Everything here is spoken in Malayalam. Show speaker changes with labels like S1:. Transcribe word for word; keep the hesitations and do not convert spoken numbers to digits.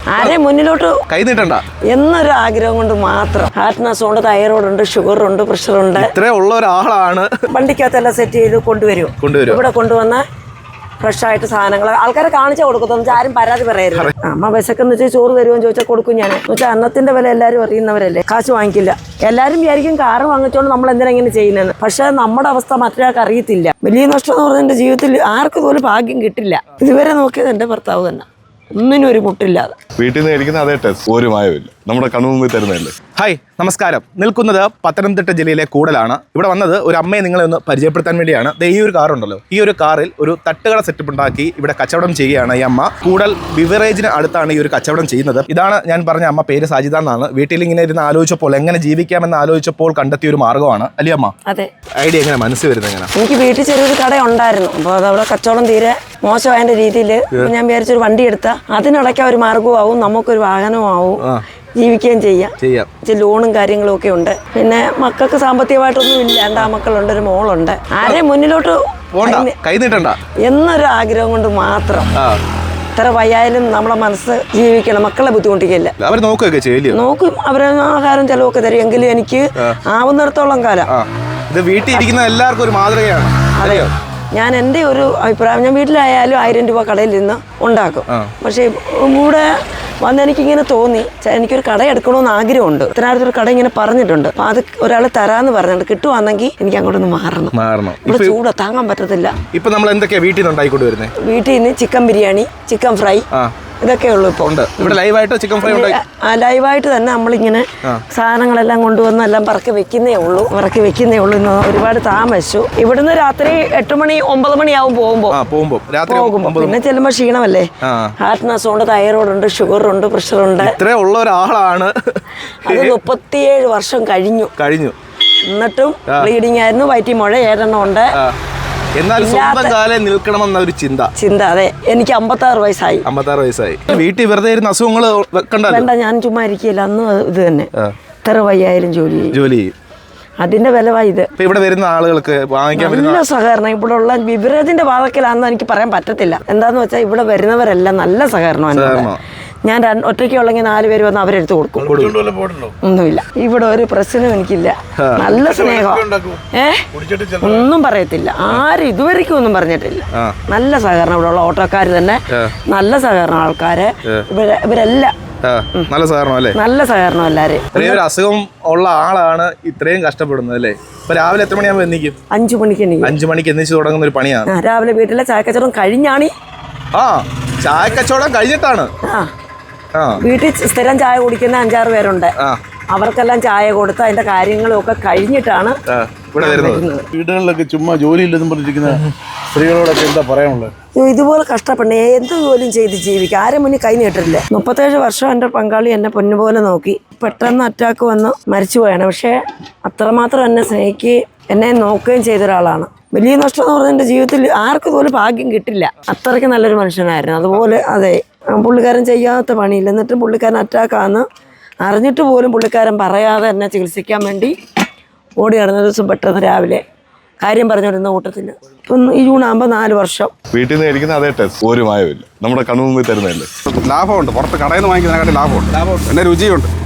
S1: ആരെ മുന്നിലോട്ട്
S2: കൈ നീട്ടണ്ട
S1: എന്നൊരു ആഗ്രഹം കൊണ്ട് മാത്രം. ഹാർട്ട്നസ് ഉണ്ട്, തൈറോയ്ഡ് ഉണ്ട്, ഷുഗർ ഉണ്ട്, പ്രഷർ ഉണ്ട്.
S2: ഇത്രേ ഉള്ള ഒരാളാണ്
S1: വണ്ടിക്കകത്തെല്ലാം സെറ്റ് ചെയ്ത് കൊണ്ടുവരും.
S2: കൊണ്ടുവരും
S1: ഇവിടെ കൊണ്ടുവന്ന ഫ്രഷ് ആയിട്ട് സാധനങ്ങൾ ആൾക്കാരെ കാണിച്ചാൽ കൊടുക്കും. ആരും പരാതി പറയരുത്. അമ്മ വിശക്കെന്ന് വെച്ചാൽ ചോറ് തരുമെന്ന് ചോദിച്ചാൽ കൊടുക്കും. ഞാൻ എന്ന് വെച്ചാൽ അന്നത്തിന്റെ വില എല്ലാവരും അറിയുന്നവരല്ലേ, കാശ് വാങ്ങിക്കില്ല. എല്ലാവരും വിചാരിക്കും കാറ് വാങ്ങിച്ചോണ്ട് നമ്മൾ എന്തിനാ ഇങ്ങനെ ചെയ്യുന്നത്. പക്ഷെ നമ്മുടെ അവസ്ഥ മറ്റൊരാൾക്ക് അറിയത്തില്ല. വലിയ നഷ്ടം എന്ന് പറഞ്ഞാൽ എൻ്റെ ജീവിതത്തിൽ ആർക്കും പോലും ഭാഗ്യം കിട്ടില്ല. ഇതുവരെ നോക്കിയത് എൻ്റെ ഭർത്താവ് തന്നെ, ഒന്നിനും ഒരു മുട്ടില്ലാതെ.
S3: വീട്ടിൽ നിന്ന് കഴിക്കുന്ന അതേ ടേസ്റ്റ് ഒരു മായമില്ല, നമ്മുടെ കണ്ണുമുമ്പിൽ തരുന്നതല്ലേ.
S2: ഹായ് നമസ്കാരം. നിൽക്കുന്നത് പത്തനംതിട്ട ജില്ലയിലെ കൂടലാണ്. ഇവിടെ വന്നത് ഒരു അമ്മയെ നിങ്ങളെ ഒന്ന് പരിചയപ്പെടുത്താൻ വേണ്ടിയാണ്. ഈ ഒരു കാറുണ്ടല്ലോ, ഈ ഒരു കാറിൽ ഒരു തട്ടുകട സെറ്റപ്പ് ഉണ്ടാക്കി ഇവിടെ കച്ചവടം ചെയ്യുകയാണ് ഈ അമ്മ. കൂടൽ ബിവറേജിന് അടുത്താണ് ഈ ഒരു കച്ചവടം ചെയ്യുന്നത്. ഇതാണ് ഞാൻ പറഞ്ഞ അമ്മ, പേര് സാജിത എന്നാണ്. വീട്ടിൽ ഇങ്ങനെ ഇരുന്ന് ആലോചിച്ചപ്പോൾ എങ്ങനെ ജീവിക്കാമെന്ന് ആലോചിച്ചപ്പോൾ കണ്ടെത്തിയ ഒരു മാർഗ്ഗമാണ് അല്ലേ അമ്മ?
S1: അതെ.
S2: ഐഡിയ എങ്ങനെ മനസ്സിൽ വരുന്നത് എങ്ങനെ?
S1: എനിക്ക് വീട്ടിൽ ചെറിയൊരു കട ഉണ്ടായിരുന്നു. അപ്പോൾ അതവിടെ കച്ചവടം തീരെ മോശമായതിന്റെ രീതിയിൽ ഞാൻ വിചാരിച്ചൊരു വണ്ടി എടുത്താൽ അതിനിടയ്ക്ക് ഒരു മാർഗവും ആവും, നമുക്കൊരു വാഹനമാവും, ജീവിക്കുകയും ചെയ്യാം. ചെയ്യാം ലോണും കാര്യങ്ങളും ഒക്കെ ഉണ്ട്. പിന്നെ മക്കൾക്ക് സാമ്പത്തികമായിട്ടൊന്നും ഇല്ല. എൻ്റെ ആ മക്കളുണ്ട്, ഒരു മോളുണ്ട്. ആരെയും മുന്നിലോട്ട്
S2: കൈ നീട്ടണ്ട
S1: എന്നൊരു ആഗ്രഹം കൊണ്ട് മാത്രം. എത്ര വയ്യായാലും നമ്മളെ മനസ്സ് ജീവിക്കണം, മക്കളെ ബുദ്ധിമുട്ടിക്കില്ല.
S2: അവർ നോക്കുകയൊക്കെ ചെയ്യില്ല, നോക്കും.
S1: അവരെ ആഹാരം ചെലവൊക്കെ തരും. എങ്കിലും എനിക്ക് ആവുന്നിടത്തോളം കാലം
S2: ഇത് വീട്ടിൽ ഇരിക്കുന്ന എല്ലാവർക്കും ഒരു മാതൃകയാണ്.
S1: അതെയോ? ഞാൻ എൻ്റെ ഒരു അഭിപ്രായം, ഞാൻ വീട്ടിലായാലും ആയിരം രൂപ കടയിൽ നിന്ന് ഉണ്ടാക്കും. പക്ഷേ ഇവിടെ വന്ന് എനിക്കിങ്ങനെ തോന്നി, എനിക്കൊരു കട എടുക്കണമെന്ന് ആഗ്രഹമുണ്ട്. ഇത്തരത്തിലൊരു കട ഇങ്ങനെ പറഞ്ഞിട്ടുണ്ട്. അപ്പം അത് ഒരാൾ തരാമെന്ന് പറഞ്ഞിട്ട് കിട്ടുവാണെങ്കിൽ എനിക്ക് അങ്ങോട്ടൊന്ന് മാറണം. മാറണം ഇവിടെ ചൂട് താങ്ങാൻ പറ്റത്തില്ല.
S2: ഇപ്പം നമ്മൾ എന്തൊക്കെയാണ് വീട്ടിൽ നിന്ന് ഉണ്ടായിക്കൊണ്ട് വരുന്നത്?
S1: വീട്ടിൽ നിന്ന് ചിക്കൻ ബിരിയാണി, ചിക്കൻ ഫ്രൈ, ഇതൊക്കെ ഉള്ളൂ ഇപ്പോൾ. ഉണ്ട് ഇവിടെ ലൈവായിട്ട് ചിക്കൻ ഫ്രൈ ഉണ്ട്. ആ ലൈവായിട്ട് തന്നെ നമ്മളിങ്ങനെ സാധനങ്ങളെല്ലാം കൊണ്ടുവന്ന് എല്ലാം പറക്കി വെക്കുന്നേ ഉള്ളൂ പറക്കി വെക്കുന്നേ ഉള്ളൂ ഇന്ന് ഒരുപാട് താമസിച്ചു. ഇവിടുന്ന് രാത്രി എട്ട് മണി ഒമ്പത് മണിയാവും പോകുമ്പോൾ പോകുമ്പോൾ പിന്നെ ചെല്ലുമ്പോൾ ക്ഷീണമല്ലേ. ഹാർട്ട്നസ് ഉണ്ട്, തൈറോയ്ഡ് ഉണ്ട്, ഷുഗർ ഉണ്ട്, പ്രഷർ ഉണ്ട്.
S2: ഇത്രേ ഉള്ള ഒരാളാണ്.
S1: അത് മുപ്പത്തിയേഴ് വർഷം കഴിഞ്ഞു കഴിഞ്ഞു എന്നിട്ടും ബ്ലീഡിംഗ് ആയിരുന്നു. വയറ്റി മുഴ ഏഴെണ്ണം ഉണ്ട്.
S2: എന്നാൽ സ്വന്തം കാലം നിൽക്കണമെന്ന ഒരു ചിന്ത ചിന്ത
S1: അതെ. എനിക്ക് അമ്പത്താറ് വയസ്സായി
S2: അമ്പത്താറ് വയസ്സായി വീട്ടിൽ വെറുതെ ഇരുന്ന അസുഖങ്ങൾ
S1: വേണ്ട, ഞാൻ ചുമ്മാ ഇരിക്കില്ല. അന്ന് ഇത് തന്നെ എത്ര വയ്യായാലും ജോലി ജോലി ചെയ്യും. അതിന്റെ വിലവായി ഇത്.
S2: ഇവിടെ വരുന്ന ആളുകൾക്ക്
S1: നല്ല സഹകരണം. ഇവിടെ ഉള്ള ബിവറേജിന്റെ വാതക്കലാണെന്ന് എനിക്ക് പറയാൻ പറ്റത്തില്ല. എന്താന്ന് വെച്ചാൽ ഇവിടെ വരുന്നവരെല്ലാം നല്ല സഹകരണമാണ്. ഞാൻ ഒറ്റയ്ക്ക് ഉള്ളെങ്കിൽ നാല് പേര് വന്ന് അവരെടുത്ത് കൊടുക്കും. ഒന്നുമില്ല, ഇവിടെ ഒരു പ്രശ്നം എനിക്കില്ല. നല്ല സ്നേഹം. ഏ ഒന്നും പറയത്തില്ല, ആരും ഇതുവരെയ്ക്കും ഒന്നും പറഞ്ഞിട്ടില്ല. നല്ല സഹകരണം. ഇവിടെ ഉള്ള ഓട്ടോക്കാർ തന്നെ നല്ല സഹകരണം. ആൾക്കാര് ഇവരെ ഇവരെല്ലാം
S2: നല്ല സഹകരണം അല്ലേ? നല്ല സഹകരണം. എല്ലാവരും ഒരു അസുഖം ഉള്ള ആളാണ് ഇത്രയും കഷ്ടപ്പെടുന്നത് അല്ലേ? ഇപ്പൊ രാവിലെ എത്ര മണിയാകുമ്പോൾ എണീക്കും?
S1: അഞ്ചു മണിക്ക് എണീക്കും.
S2: അഞ്ചു മണിക്ക് എണീച്ച് തുടങ്ങുന്ന ഒരു പണിയാണ്.
S1: രാവിലെ വീട്ടിലെ ചായക്കച്ചവടം കഴിഞ്ഞാണ്.
S2: ആ ചായക്കച്ചവടം കഴിഞ്ഞിട്ടാണ്.
S1: ആ വീട്ടിൽ സ്ഥിരം ചായ കുടിക്കുന്ന അഞ്ചാറ് പേരുണ്ട്. അവർക്കെല്ലാം ചായ കൊടുത്ത് അതിന്റെ കാര്യങ്ങളൊക്കെ കഴിഞ്ഞിട്ടാണ്
S4: വീടുകളിലൊക്കെ ചുമ്മാ ജോലി ഇല്ലെന്നും പറഞ്ഞിരിക്കുന്ന സ്ത്രീകളോടൊക്കെ എന്താ പറയാനുള്ളത്?
S1: ഇതുപോലെ കഷ്ടപ്പെടണേ, എന്ത് ജോലിയും ചെയ്ത് ജീവിക്കുക. ആരും മുന്നിൽ കൈ നീട്ടില്ല. മുപ്പത്തേഴ് വർഷം എൻ്റെ പങ്കാളി എന്നെ പൊന്നുപോലെ നോക്കി. പെട്ടെന്ന് അറ്റാക്ക് വന്ന് മരിച്ചുപോയാണ്. പക്ഷേ അത്രമാത്രം എന്നെ സ്നേഹിക്കുകയും എന്നെ നോക്കുകയും ചെയ്ത ഒരാളാണ്. വലിയ നഷ്ടം എന്ന് പറഞ്ഞാൽ എൻ്റെ ജീവിതത്തിൽ ആർക്കും പോലും ഭാഗ്യം കിട്ടില്ല. അത്രയ്ക്ക് നല്ലൊരു മനുഷ്യനായിരുന്നു. അതുപോലെ അതെ, പുള്ളിക്കാരൻ ചെയ്യാത്ത പണിയില്ല. എന്നിട്ടും പുള്ളിക്കാരൻ അറ്റാക്കാന്ന് അറിഞ്ഞിട്ട് പോലും പുള്ളിക്കാരൻ പറയാതെ എന്നെ ചികിത്സിക്കാൻ വേണ്ടി ഓടി നടന്ന ദിവസം പെട്ടെന്ന് രാവിലെ കാര്യം പറഞ്ഞുകൊണ്ടിരുന്ന കൂട്ടത്തിൽ ഇപ്പം ഈ ജൂൺ ആകുമ്പോൾ നാല് വർഷം
S3: വീട്ടിൽ നിന്ന് കഴിക്കുന്ന അതേ ടേസ്റ്റ് ഒരു മായമില്ല, നമ്മുടെ കണ്ണുമുമ്പിൽ തരുന്നതല്ലേ.
S4: ലാഭമുണ്ട്, പുറത്ത് കടയിൽ നിന്ന് വാങ്ങിക്കുന്നതിനെക്കാട്ടി ലാഭമുണ്ട്. ലാഭമുണ്ട്, പിന്നെ രുചിയുണ്ട്.